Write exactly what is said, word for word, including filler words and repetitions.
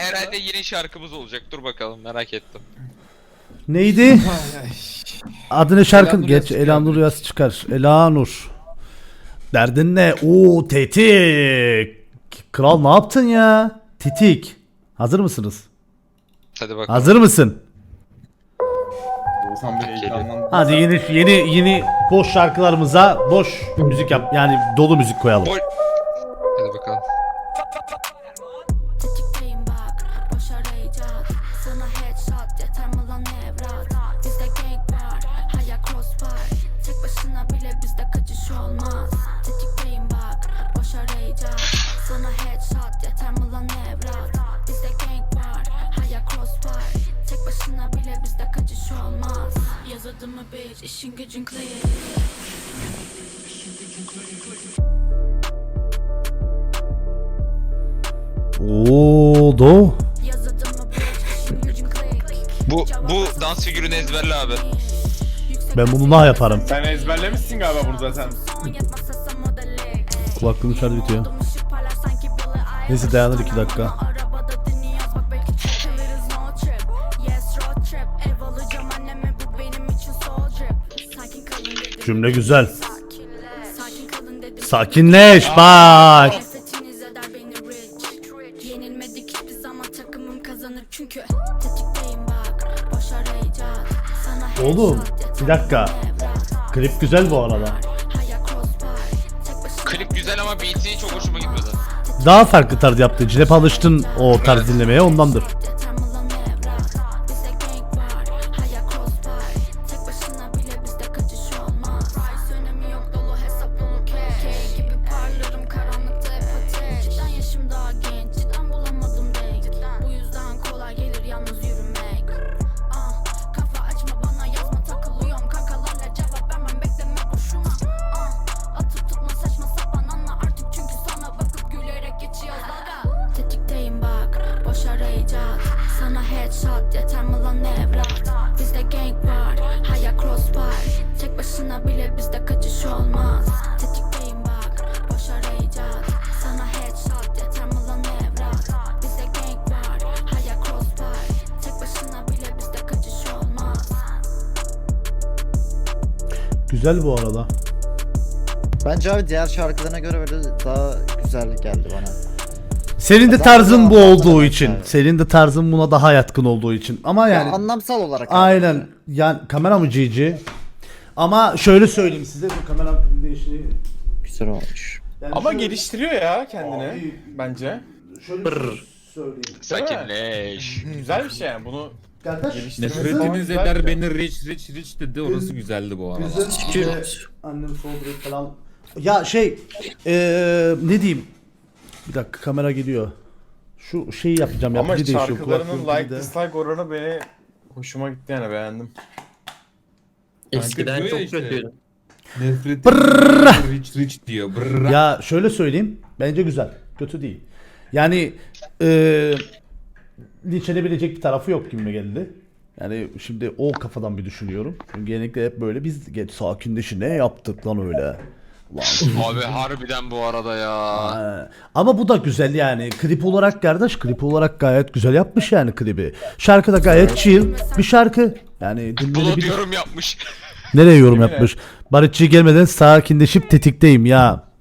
herhalde yeni şarkımız olacak. Dur bakalım, merak ettim. Neydi? Adını şarkın Elanur geç. Yaz Elanur Yaz çıkar. Elanur. Derdin ne? Oo tetik. Kral ne yaptın ya? Tetik. Hazır mısınız? Hadi bakalım. Hazır mısın? Oğuzhan bir heyecanlandı. Hadi yeni yeni yeni boş şarkılarımıza boş müzik yap. Yani dolu müzik koyalım. Boy- Hadi bakalım. Tetikteyim bak, boş arayacak. Sana headshot yeter mi lan evlat? Bizde gang var, hayal crossbar. Tek başına bile bizde kaçış olmaz. Tetikteyim bak, boş arayacak. Sana headshot yeter mi lan evlat? Bizde gang var, hayal crossbar. Tek başına bile bizde kaçış olmaz. Yaz adımı bitch, işin gücün clear. Oo do. Yaz adımı bitch, işin gücün clear. Bu bu dans figürünü ezberle abi. Ben bunu daha yaparım. Sen ezberlemişsin galiba bunu zaten. Kulaklığım şarjı bitiyor. Neyse dayanır iki dakika. Cümle güzel. Sakinleş bak. Yenilmedik hiçbir zaman, takımım kazanır çünkü tetikteyim bak, boş arayacak. Sana Oğlum headshot bir dakika. Klip güzel bu arada. hayal crossbar. Tek başına Klip güzel ama beat'i çok hoşuma gitmedi. Daha farklı tarz yaptı. Hep alıştın o tarz dinlemeye ondandır. yeter mi lan evlat? Bizde gang var, hayal crossbar. Tek başına bile bizde kaçış olmaz. Price önemi yok, dolu hesap dolu cash. Key gibi parlarım karanlıkta hep ateş. Cidden yaşım daha genç, cidden bulamadım denk. Bu yüzden kolay gelir yalnız yürümek. Ah, kafa açma bana, yazma takılıyorum. Kankalarla cevap vermem, bekleme boşuna. Ah, atıp tutma saçma sapan, anla artık çünkü sana bakıp gülerek geçiyor dalga. Tetikteyim bak, boş arayacak. Sana headshot yeter mi lan evlat? Bizde gang var, hayal crossbar. Tek başına bile bizde kaçış olmaz. Tetikteyim bak, boş arayacak. Sana headshot yeter mi lan evlat? Bizde gang var, hayal crossbar. Tek başına bile bizde kaçış olmaz. Güzel bu arada. Bence abi diğer şarkılarına göre böyle daha güzel geldi bana. Senin de Daha tarzın bu daha olduğu anlamlı için. bence. Senin de tarzın buna daha yatkın olduğu için. Ama Ya yani anlamsal olarak. abi. aynen. Yani kamera mı G G? Ama şöyle söyleyeyim size, bu kamera değişini. Güzel olmuş. Yani Ama şöyle- geliştiriyor ya kendini Abi. bence. Şöyle söyleyeyim. Sakinleş. Güzel bir şey yani bunu Kardeş, geliştirmesi Nefretiniz güzel eder bir- beni rich rich rich dedi, orası güzeldi bu arada. Bizim işte annem soğudu falan. Ya şey, eee ne diyeyim? Bir dakika kamera gidiyor. Şu şeyi yapacağım. Ama yapıcı değişiyor, şarkılarının kulaklığın like bir de. dislike oranı beni hoşuma gitti yani, beğendim. Eskiden çok kötüydü. Nefret Brrrr. rich rich diyor. Brrrr. Ya şöyle söyleyeyim. Bence güzel. Kötü değil. Yani eee linç edebilecek bir tarafı yok gibi geldi. Yani şimdi o kafadan bir düşünüyorum. Çünkü genellikle hep böyle biz geç sakinleşi ne yaptık lan öyle. Ulan. Abi harbiden bu arada ya. Ha, ama bu da güzel yani. Klip olarak kardeş, klip olarak gayet güzel yapmış yani klibi. Şarkı da gayet chill bir şarkı. Yani Bunu dinlenebilir. diyorum yapmış. Nereye yorum Yemin yapmış? Barışçı gelmeden sakinleşip tetikteyim ya.